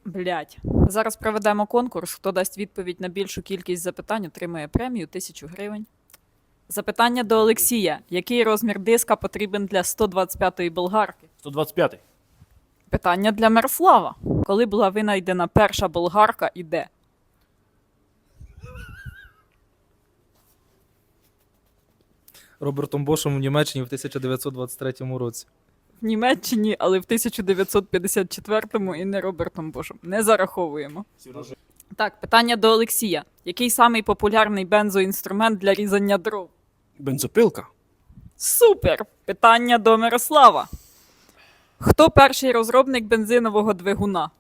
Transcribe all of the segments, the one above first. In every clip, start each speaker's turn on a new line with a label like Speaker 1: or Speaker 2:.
Speaker 1: Блять. Зараз проведемо конкурс. Хто дасть відповідь на більшу кількість запитань, отримає премію 1000 гривень. Запитання до Олексія. Який розмір диска потрібен для 125-ї болгарки?
Speaker 2: 125-й.
Speaker 1: Питання для Мирослава. Коли була винайдена перша болгарка і де?
Speaker 3: Робертом Бошем в Німеччині в 1923 році.
Speaker 1: В Німеччині, але в 1954-му і не Робертом Бошем. Не зараховуємо. Так, питання до Олексія. Який самий популярний бензоінструмент для різання дров?
Speaker 2: Бензопилка.
Speaker 1: Супер! Питання до Мирослава. Хто перший розробник бензинового двигуна?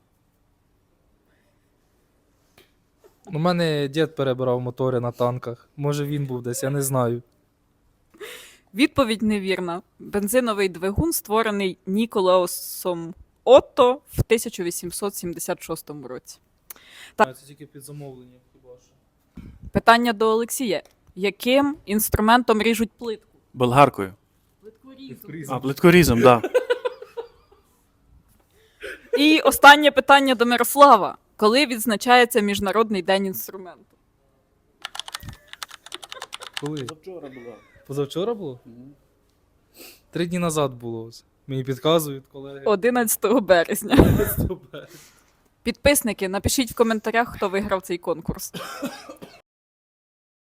Speaker 3: У мене дід перебирав мотори на танках. Може він був десь, я не знаю.
Speaker 1: Відповідь невірна. Бензиновий двигун створений Ніколаусом Отто в 1876 році.
Speaker 3: Це тільки під замовлення хіба що.
Speaker 1: Питання до Олексія. Яким інструментом ріжуть плитку?
Speaker 2: Болгаркою.
Speaker 1: Плиткорізом.
Speaker 2: А, плиткорізом, так. Да.
Speaker 1: І останнє питання до Мирослава. Коли відзначається Міжнародний день інструменту?
Speaker 3: Коли?
Speaker 2: Вчора було.
Speaker 3: Позавчора було? 3 дні назад було. Ось. Мені підказують колеги.
Speaker 1: 11 березня.
Speaker 3: 11 березня.
Speaker 1: Підписники, напишіть в коментарях, хто виграв цей конкурс.